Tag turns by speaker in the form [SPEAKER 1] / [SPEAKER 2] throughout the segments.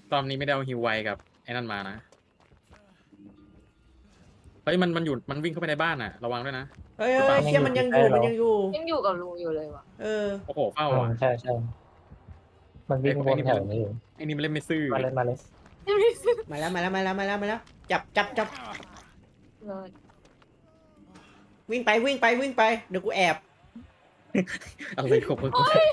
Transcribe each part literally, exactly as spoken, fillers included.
[SPEAKER 1] รอบนี้ไม่ได้เอาฮิวไวกับไอ้นั่นมานะเฮ้ยมันมันอยู่มันวิ่งเข้าไปในบ้านอ่ะระวังด้วยนะ
[SPEAKER 2] เฮ้ยเฮ้ยเชี่ยมันยังอยู่มันยังอยู่
[SPEAKER 3] ยังอยู่กับลุงอยู่เลยว่ะ
[SPEAKER 2] เออ
[SPEAKER 1] โอ้โหเฝ้า
[SPEAKER 4] อืม
[SPEAKER 1] อ่ะ
[SPEAKER 4] ใช่ใช่มันวิ่งวนแถวนี้อยู่
[SPEAKER 1] ไอ้นี่มันเล่นไม่ซื่อ
[SPEAKER 4] มาเลยมาเลย
[SPEAKER 2] มาแล้วมาแล้วมาแล้วมาแล้วมาแล้วจับจับจับ
[SPEAKER 3] เลย
[SPEAKER 2] วิ่งไปวิ่งไปวิ่งไปเดี๋ยวกูแอบ
[SPEAKER 1] อะไรของมึง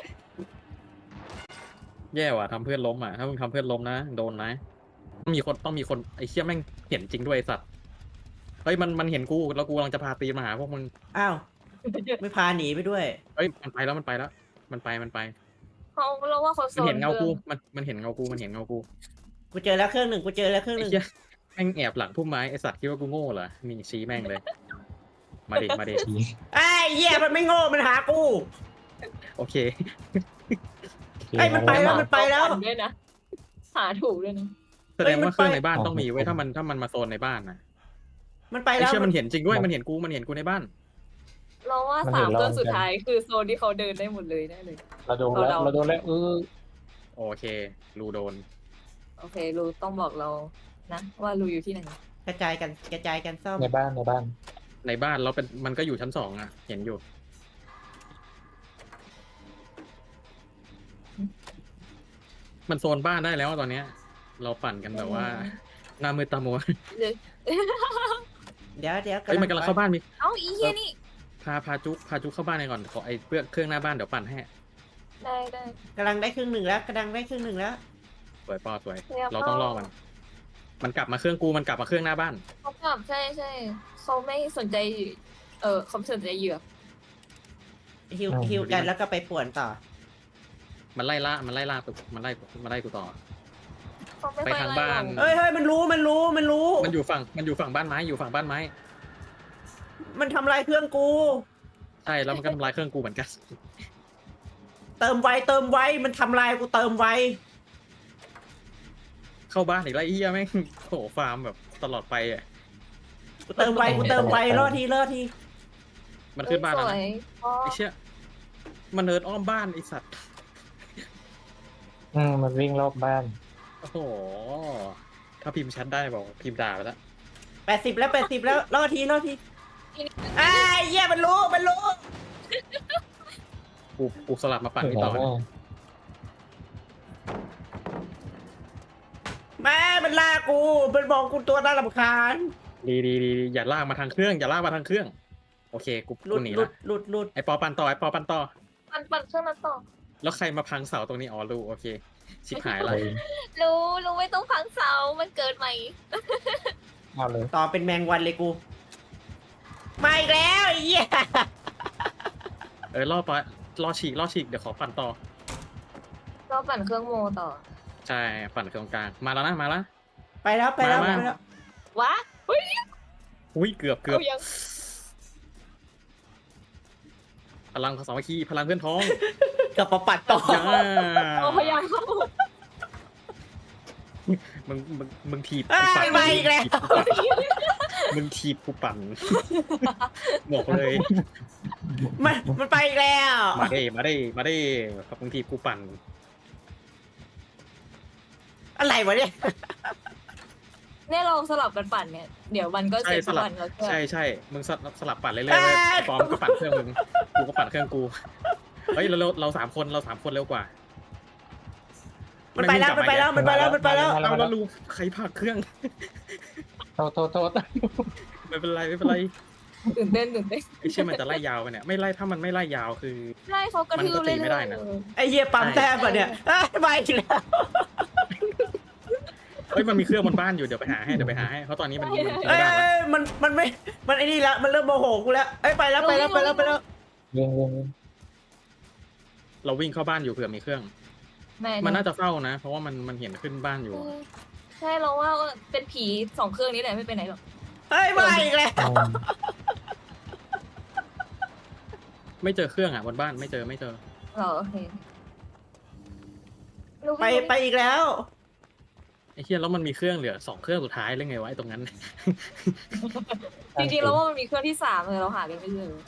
[SPEAKER 1] แย่ว่ะทำเพื่อนล้มอ่ะถ้ามึงทำเพื่อนล้มนะโดนนะต้องมีคนต้องมีคนไอ้เชี่ยแม่งเห็นจริงด้วยไอ้สัตว์เฮ้ยมันมันเห็นกูแล้วกูกำลังจะพาตีนมาหาพวกมึง
[SPEAKER 2] อ้าวไม่พาหนีไปด้วย
[SPEAKER 1] เฮ้ยมันไปแล้วมันไปแล้วมันไปมันไป
[SPEAKER 3] เขาเราว่าเขาโซ
[SPEAKER 1] มัน
[SPEAKER 3] น
[SPEAKER 1] เห็นเงากูมันมันเห็นเงากูมันเห็นเงากู
[SPEAKER 2] กูเจอแล้วเครื่องหนึ่งกูเจอแล้วเครื่องห
[SPEAKER 1] ไอ้
[SPEAKER 2] นึ่ง
[SPEAKER 1] เชี่ยแม่งแอบหลังพุ่มไม้ไอ้สัตว์คิดว่ากูโง่เหรอมีชี้แม่งเลยมาดิมาดิ
[SPEAKER 2] ไอ้เหี้ยมันไม่โง่มันหากู
[SPEAKER 1] โอเค
[SPEAKER 2] ไอ้มันไปแล้วมันไปแล้ว
[SPEAKER 3] ด้วยนะหาถูกด้วยนะ
[SPEAKER 1] แสดงว่าเครื่องในบ้านต้องมีไว้ถ้ามันถ้ามันมาโซนในบ้านนะ
[SPEAKER 2] มันไป
[SPEAKER 1] ไอ้
[SPEAKER 2] แล้ว
[SPEAKER 1] เชี่ยมันเห็นจริงด้วยมันเห็นกูมันเห็นกูในบ้าน
[SPEAKER 3] เราว่าสามเครื่องสุดท้ายคือโซนที่เขาเดินได้หมดเลยแน่เลย
[SPEAKER 4] เราโดนแล้วเราโดนแล้วเออ
[SPEAKER 1] โอเครูโดน
[SPEAKER 3] โอเคลูต้องบอกเรานะว่าลูอยู่ที่ไหน
[SPEAKER 2] กระจายกันกระจายกันซ่อม
[SPEAKER 4] ในบ้านในบ้าน
[SPEAKER 1] ในบ้านเราเป็นมันก็อยู่ชั้นสองอ่ะ เห็นอยู่ มันโซนบ้านได้แล้วตอนเนี้ย เราปั่นกันแบบว่าหน้ามืดตามัว
[SPEAKER 3] เลย
[SPEAKER 2] เดี๋ยวเดี๋ยว
[SPEAKER 1] เฮ้ยมันกำลังเข้าบ้านมี
[SPEAKER 3] เอ้าอีเหี้ยนี่
[SPEAKER 1] พาพาจุกพาจุกเข้าบ้านไปก่อนขอไอ้เพื่อเครื่องหน้าบ้านเดี๋ยวปั่นให้
[SPEAKER 3] ได้ได้
[SPEAKER 2] กำลังได้ครึ่งหนึ่งแล้วกำลังได้ครึ่งหนึ่งแล้ว
[SPEAKER 1] สวยปอสวย
[SPEAKER 3] เรียบร้อย
[SPEAKER 1] เราต้องรอมัน มันกลับมาเครื่องกูมันกลับมาเครื่องหน้าบ้าน
[SPEAKER 3] เขากลับใช่ใช่เขาไม่สนใจเออเขาไม่สนใจเหยื่อ
[SPEAKER 2] ฮิวฮิวกันแล้วก็ไปป่วนต่อ
[SPEAKER 1] มันไล่ล่ามันไล่ล่ากูมันไล่มันไล่กูต่อ
[SPEAKER 3] เขาไม่
[SPEAKER 1] ไป
[SPEAKER 3] ค่อย
[SPEAKER 1] ทาง
[SPEAKER 3] ไล่
[SPEAKER 1] บ้าน
[SPEAKER 3] เรา
[SPEAKER 2] เฮ้ยเฮ้ยมันรู้มันรู้มันรู้
[SPEAKER 1] มันอยู่ฝั่งมันอยู่ฝั่งบ้านไม้อยู่ฝั่งบ้านไม้
[SPEAKER 2] มันทำลายเครื่องกู
[SPEAKER 1] ใช่แล้วมันก็ทำลายเครื่องกูเหมือนกัน
[SPEAKER 2] เติมไวเติมไวมันทำลายกูเติมไว
[SPEAKER 1] เข้าบ้านอีกแล้วไอ้เหี้ยแม่งโหฟาร์มแบบตลอดไปอ่ะ
[SPEAKER 2] กูเติมไวกูเติมไวรอดทีรอดที
[SPEAKER 1] มันขึ้นบ้านแล้ว
[SPEAKER 3] สว
[SPEAKER 1] นะ
[SPEAKER 3] ยอ๋อ
[SPEAKER 1] ไอ้เชี่ยมันเนินอ้อมบ้านไอ้สัตว์
[SPEAKER 4] อืมมันวิ่งรอบบ้าน
[SPEAKER 1] โอ้โหถ้าพิมพ์แชทได้บอกพิมพ์ด่าไปแล้ว
[SPEAKER 2] แปดสิบแล้วแปดสิบแล้วรอดทีรอดทีไอ้เหี้ยมันรู้มันรู้
[SPEAKER 1] กูกูสลับมาปั่นที่ต่อ
[SPEAKER 2] แม่มันล่ากูมันมองกูตัวน่ารำคาญ
[SPEAKER 1] ดีดีดีอย่าลากมาทางเครื่องอย่าลากมาทางเครื่อง โอเคกู
[SPEAKER 2] หลุ
[SPEAKER 1] กู
[SPEAKER 2] ด
[SPEAKER 1] หนี
[SPEAKER 2] หลุ
[SPEAKER 1] ละ
[SPEAKER 2] ดหลุดหลุด
[SPEAKER 1] ไอปอปั่นต่อไอปอปั่นต่อ
[SPEAKER 3] ปั่นปั่นเครื่องนั้นต่อ
[SPEAKER 1] แล้วใครมาพังเสาตรงนี้อ๋อรู้โอเค ชิบหายละ
[SPEAKER 4] เลย
[SPEAKER 3] รู้รู้ไม่ต้องพังเสามันเกิดใหม่
[SPEAKER 4] เอาเลย
[SPEAKER 2] ต่อเป็นแมงวันเลยกูมาอีกแล้วไอ้เหี้ย
[SPEAKER 1] เออล่อปะล่อฉีกล่อฉีกเดี๋ยวขอปั่นต่อ
[SPEAKER 3] ก็ปั่นเครื่องโมต่อ
[SPEAKER 1] ใช่ปั่นเครื่องกลางมาแล้วนะมาแล้ว
[SPEAKER 2] ไปแล้วไปแล้ว
[SPEAKER 1] มา
[SPEAKER 2] ไป
[SPEAKER 1] มา
[SPEAKER 2] แล้ว
[SPEAKER 3] วะเฮ้ย
[SPEAKER 1] อุ้ยเกือบเกือบ
[SPEAKER 3] เอายัง
[SPEAKER 1] พลังสามัคคีพลังเพื่อนพ้อง
[SPEAKER 2] กลับมาปัดต่อ
[SPEAKER 1] ย่า
[SPEAKER 3] เอาพยายามเข้า
[SPEAKER 1] มึงมึงมึงถีบ
[SPEAKER 2] เอ้
[SPEAKER 1] กูปั่
[SPEAKER 2] ย
[SPEAKER 1] น
[SPEAKER 2] มาอีกแล้ว
[SPEAKER 1] มึงถีบกูปั่นบอกเลย
[SPEAKER 2] มันมันไปอีกแล้ว
[SPEAKER 1] มาเด้มาเด้มาเด้ครับมึงถีบกูปั่น
[SPEAKER 2] อะไรวะเนี่ย
[SPEAKER 3] เนี่ยเราสลับกันปั่นเนี่ยเดี๋ยวมันก็
[SPEAKER 1] ใช่
[SPEAKER 3] เสร็จ
[SPEAKER 1] สลับ
[SPEAKER 3] ปั่นแล้วก็
[SPEAKER 1] ใช่ใช่มึงสลับสลับปั่นเรื่อยๆเว้ยไอ้ปอมก็ปั่นเครื่องมึงกูก็ปั่นเครื่องกูเฮ้ยเราเราเราสามคนเราสามคนเร็วกว่า
[SPEAKER 2] มันไปแล้วมันไปแล้วมันไปแล้วมันไปแล้ว
[SPEAKER 1] เอาแล้วรู้ใครผลักเครื่อง
[SPEAKER 4] โทษโทษโทษ
[SPEAKER 1] ไม่เป็นไรไม่เป็นไร
[SPEAKER 3] ตื่นเต้นตื่นเต้น
[SPEAKER 1] ไอ้เชี่ยมันจะไล่ยาวไปเนี่ยไม่ไล่ถ้ามันไม่ไล่ยาวคือ
[SPEAKER 3] ไล่เขากระทืบ
[SPEAKER 1] มันก็ตี
[SPEAKER 3] เลย
[SPEAKER 1] ไม่ได้นะ
[SPEAKER 2] ไอ้เหี้ยปั๊มแต้มป่ะเนี่ยเอ้ยมาอีกแล้ว
[SPEAKER 1] เฮ้ยมันมีเครื่องบนบ้านอยู่เดี๋ยวไปหาให้เดี๋ยวไปหาให้เพราะตอนนี้มันมันกิน
[SPEAKER 2] เอ้
[SPEAKER 1] ไม่
[SPEAKER 2] ย
[SPEAKER 1] ได้แล้ว
[SPEAKER 2] เอ้ยมันมันไม่มันไอ้นี่ละมันเริ่มโมโหกูแล้วเอ้ยไปแล้วไปแล้วไปแล้วไปแล้ว
[SPEAKER 4] วิ่งวิ่งวิ่ง
[SPEAKER 1] เราวิ่งเข้าบ้านอยู่เผื่อมีเครื่อง
[SPEAKER 3] แม่
[SPEAKER 1] มันน่าจะเฝ้านะ เพราะว่ามันมันเห็นขึ้นบ้านอยู่
[SPEAKER 3] ใช่เราว่าเป็นผีสองเครื่องนี้แหละไม่ไปไหนหรอก
[SPEAKER 2] เฮ้ยมาอีกแล้ว
[SPEAKER 4] อืม
[SPEAKER 1] ไม่เจอเครื่องอ่ะบนบ้านไม่เจอไม่เจอ
[SPEAKER 3] เหรอโอเค
[SPEAKER 2] ไปไปอีกแล้ว
[SPEAKER 1] ไอ้เฮียแล้วมันมีเครื่องเหลือสองเครื่องสุดท้ายเลยไงวะไอ้ตรงนั้น
[SPEAKER 3] จริงๆเราว่ามันมีเครื่องที่สามเลยเราหากันไม่เจอ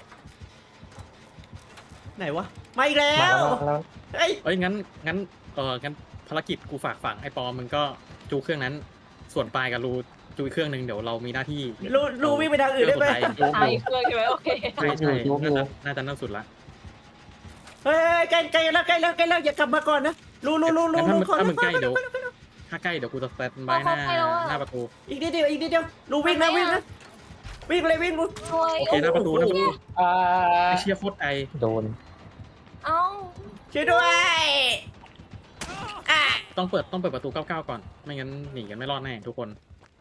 [SPEAKER 2] ไหนวะมาอีกแล้
[SPEAKER 4] มาว แล้วมาแล้ว
[SPEAKER 2] เฮ้ย
[SPEAKER 1] เอ้ยงั้นงั้นเอองั้นภารกิจกูฝากฝังไอ้ปอมึงก็จูเครื่องนั้น ส่วนปลายกับรูจูอีกเครื่องหนึ่งเดี๋ยวเรามีหน้าที่
[SPEAKER 2] รู้รู้วิ่งไปทางอื่นได้ไหม
[SPEAKER 1] เครื่องสุดท้าย
[SPEAKER 3] ตายอีกเครื่องใช่ไหมโอเค
[SPEAKER 1] ใช่ใช่น่าจะน่าจะน่าสุดละ
[SPEAKER 2] เฮ้ยใกล้ใกล้แล้วใกล้แล้วใกล้แล้วอย่ากลับมาก่อนนะรู้รู้รู้รู้
[SPEAKER 1] งั้น
[SPEAKER 2] รู้
[SPEAKER 1] ถ้า
[SPEAKER 2] ขอ
[SPEAKER 1] มึง
[SPEAKER 2] ขอ
[SPEAKER 1] ใกล้
[SPEAKER 2] ขอ
[SPEAKER 1] เดี๋ยว
[SPEAKER 2] ขอขอ
[SPEAKER 1] ถ้าใกล้เดี๋ยวกูจะสแตนบายหน้าหน้าประตู
[SPEAKER 2] อีกนิดเดียวอีกนิดเดียวรู้วิ่งนะวิ่งนะวิ่งเลยวิ่งรู้
[SPEAKER 3] ช่วย
[SPEAKER 1] โอเคหน้าประตูหน้าประตู
[SPEAKER 4] อ่า
[SPEAKER 1] ไอ้เชี่ยโคตรไอ
[SPEAKER 4] โดน
[SPEAKER 3] เอ้า
[SPEAKER 2] ช่วยด้วยอ่ะ
[SPEAKER 1] ต้องเปิดต้องเปิดประตูเก้าเก้าก่อนไม่งั้นหนีกันไม่รอดแน่ทุกคน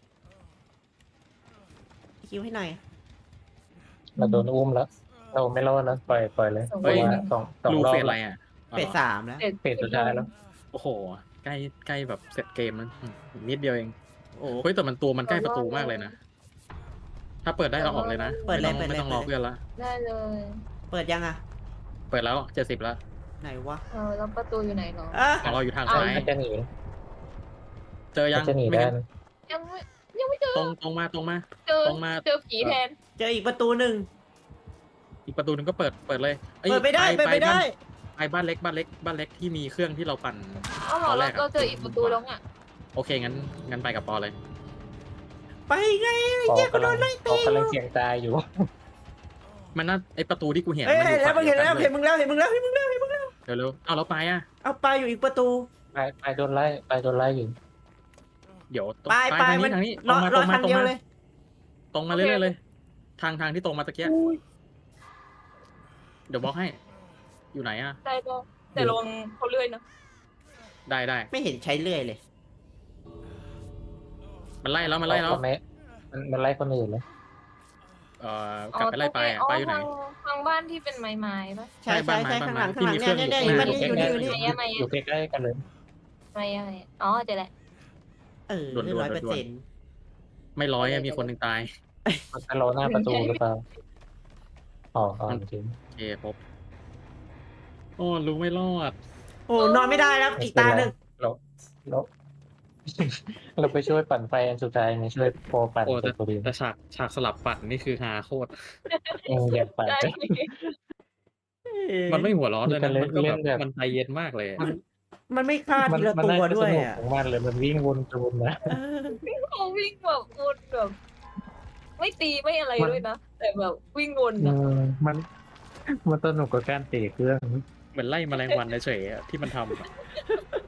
[SPEAKER 2] คิวให้หน่อย
[SPEAKER 4] เราโดนอุ้มแล้ว เราไม่รอดแล้วปล่อยปล่อยเลยเพราะว่าสองสอง
[SPEAKER 1] รู
[SPEAKER 4] รอบ
[SPEAKER 1] เฟสอะไร
[SPEAKER 4] แล้ว
[SPEAKER 1] อ่ะ
[SPEAKER 2] เป็ดสามแล้ว
[SPEAKER 4] เฟสสุดท้ายแล้ว
[SPEAKER 1] โอ้โหใกล้ใกล้แบบเสร็จเกมแล้วอืมอีกนิดเดียวเองโอ้โหเฮ้ยแต่มันตัวมันใกล้ประตูมากเลยนะถ้าเปิดได้เราออกเลยนะ
[SPEAKER 2] เปิดเลย
[SPEAKER 1] ไม่
[SPEAKER 2] เปิด
[SPEAKER 1] ต้อง
[SPEAKER 2] เลย
[SPEAKER 1] ไม่ต้องรอ
[SPEAKER 2] เปิดเลย
[SPEAKER 1] เพื่อนละ
[SPEAKER 3] ได้เลย
[SPEAKER 2] เปิดยังอ่ะ
[SPEAKER 1] เปิดแล้วเจ็ดสิบแล้ว
[SPEAKER 2] ไหนวะ
[SPEAKER 3] เออแล้วประตูอยู่ไหนเนาะ
[SPEAKER 2] อ่ะ
[SPEAKER 1] ของเราอยู่ทาง
[SPEAKER 3] เอา
[SPEAKER 1] ซ้าย
[SPEAKER 4] มันจะหนี
[SPEAKER 1] เจอยั
[SPEAKER 4] มั
[SPEAKER 1] ง
[SPEAKER 4] นจะหนี
[SPEAKER 1] ไม่
[SPEAKER 4] ได้
[SPEAKER 1] งั้น
[SPEAKER 3] ยังไม่ยังไม่เจอ
[SPEAKER 1] ตรงตรงมาตรงมา
[SPEAKER 3] เจอ
[SPEAKER 1] ตรงมา
[SPEAKER 3] เจอผีแทน
[SPEAKER 2] เจออีกประตูหนึ่ง
[SPEAKER 1] อีกประตูหนึงก็เปิดเปิดเลยอ้ย
[SPEAKER 2] เปิดไม่ได้เปิดไม่ได้
[SPEAKER 1] ไปบ้านเล็กบ้านเล็กบ้านเล็กที่มีเครื่องที่เราปั่น
[SPEAKER 3] เอ้าเหรอ
[SPEAKER 1] ตอนแร
[SPEAKER 3] เรา
[SPEAKER 1] กอะ
[SPEAKER 3] เราเจออีกประตูแล้วอ่ะ
[SPEAKER 1] โอเคงั้นงั้นไปกับปอเลย
[SPEAKER 2] ไปไง
[SPEAKER 4] ปอ
[SPEAKER 2] เหี้ยกู
[SPEAKER 4] กำ
[SPEAKER 2] โด
[SPEAKER 4] ลัง
[SPEAKER 2] นไล่
[SPEAKER 4] ป
[SPEAKER 2] ตี
[SPEAKER 4] อกำลัง
[SPEAKER 2] อยู่
[SPEAKER 4] เสียงตายอยู่
[SPEAKER 1] มันน่าไอประตูที่กูเห็น
[SPEAKER 2] เอ้ย
[SPEAKER 1] มันอยู่
[SPEAKER 2] แล้วมึ
[SPEAKER 1] ฝั่
[SPEAKER 2] ง
[SPEAKER 1] ง
[SPEAKER 2] เห็น
[SPEAKER 1] เดียว
[SPEAKER 2] แล้ว
[SPEAKER 1] กัน
[SPEAKER 2] เห็นมึงแล้วเห็นมึงแล้วเห็นมึงแล้วเห็นมึงแล้ว
[SPEAKER 1] เร็วเร็วๆเอาแล้วไปอ่ะ
[SPEAKER 2] เอาไปอยู่อีกประตู
[SPEAKER 4] ไปไปโดนไล่ไปโดนไล่อยู่
[SPEAKER 1] เดี๋ยวตรง
[SPEAKER 2] ไปไป
[SPEAKER 1] ทาง
[SPEAKER 2] มั
[SPEAKER 1] นี้
[SPEAKER 2] น
[SPEAKER 1] ทางนี้ต
[SPEAKER 2] ร
[SPEAKER 1] ร
[SPEAKER 2] อง
[SPEAKER 1] มา
[SPEAKER 2] ร
[SPEAKER 1] ต
[SPEAKER 2] อ
[SPEAKER 1] รงมา
[SPEAKER 2] คัน
[SPEAKER 1] ตรง
[SPEAKER 2] เดียว
[SPEAKER 1] มา
[SPEAKER 2] เลย
[SPEAKER 1] ตรงมาเรื่อยๆเลย ทางทางที่ตรงมาตะเกียเดี๋ยวบล็อกให้ อยู่ไหนอ่ะ
[SPEAKER 3] ได้ก็แต่ลงเขาเลื่อยนะ
[SPEAKER 1] ได้ได้
[SPEAKER 2] ไม่เห็นใช้เลื่อยเลย
[SPEAKER 1] มันไล่แล้วมันไล่แล้ว
[SPEAKER 4] มันไม่มันมันไล่คนอื่นเลย
[SPEAKER 1] เอ่อกลับไปไล่ไปอ่ะ
[SPEAKER 3] อ๋อ
[SPEAKER 1] ไปอยู่ไหน
[SPEAKER 3] ทางทางบ้านที่เป็นไม้ไม้ปะ
[SPEAKER 2] ใช่
[SPEAKER 1] ใช่
[SPEAKER 2] ใช่
[SPEAKER 1] บ้านไม้
[SPEAKER 2] ใช่ข้างหลัง
[SPEAKER 1] บ้านไม้
[SPEAKER 2] ข้างหลัง
[SPEAKER 1] ที่มี
[SPEAKER 2] เนี่ย
[SPEAKER 1] เครื่
[SPEAKER 2] เนี่
[SPEAKER 1] อย ง
[SPEAKER 2] เนี่ย
[SPEAKER 1] อยู่
[SPEAKER 2] เนี่ยมันนี่อยู่นี่อยู่นี่
[SPEAKER 3] ไหนอะไหน
[SPEAKER 4] อยู่
[SPEAKER 3] อะ
[SPEAKER 4] ใกล้ๆกันเลย
[SPEAKER 3] ไม้อะไรอะอ๋อเจอแล้ว
[SPEAKER 2] เออ
[SPEAKER 1] ด่วนๆ
[SPEAKER 2] ร้อยเปอร์
[SPEAKER 1] ด่วน
[SPEAKER 2] เซ็นต์
[SPEAKER 1] ไม่ร้อยอะมีคนหนึ่งตาย
[SPEAKER 4] มันจะรอหน้าประตูหรือเปล่าอ๋ออ๋อจริง
[SPEAKER 1] โอเคครบโอ้รู้ไม่รอด
[SPEAKER 2] โอ้นอนไม่ได้แล้วอีกตาหนึ่ง
[SPEAKER 4] เราเราเราไปช่วยปั่นไฟอันสุดท้ายไงช่วยโปรปั่น
[SPEAKER 1] โอ้
[SPEAKER 4] เป็
[SPEAKER 1] แต่
[SPEAKER 4] นตัวเดียว
[SPEAKER 1] แต่ฉากฉากสลับปัดนี่คือฮาโคตร
[SPEAKER 4] เอออยากปั่น
[SPEAKER 3] ใช่
[SPEAKER 1] มันไม่หัวร้อนเลยนะ
[SPEAKER 4] มัน
[SPEAKER 1] มันก็
[SPEAKER 4] เล่
[SPEAKER 1] แบ
[SPEAKER 4] น
[SPEAKER 1] บ
[SPEAKER 4] แบบ
[SPEAKER 1] มันใจเย็นมากเลยอะ
[SPEAKER 2] มันไม่ฆ่า
[SPEAKER 4] มั
[SPEAKER 2] ทีละ
[SPEAKER 4] มั
[SPEAKER 2] ตัว
[SPEAKER 4] น่าจะ
[SPEAKER 2] ด้
[SPEAKER 4] ส
[SPEAKER 2] วย
[SPEAKER 4] นุก
[SPEAKER 2] อ่ะ
[SPEAKER 4] ของมันเลยมันวิ่งวนจูนนะ
[SPEAKER 2] เออ
[SPEAKER 3] เขาวิ่งแบบวนแบบไม่ตีไม่อะไร
[SPEAKER 4] มัน
[SPEAKER 3] ด้วยนะ แต่แบบวิ่งวน
[SPEAKER 4] เอ
[SPEAKER 3] อะ
[SPEAKER 4] อมันมันสนุกกับการเตะเครื่อง
[SPEAKER 1] เหมือนไล่แมลงวันเฉยๆอะที่มันทำอะ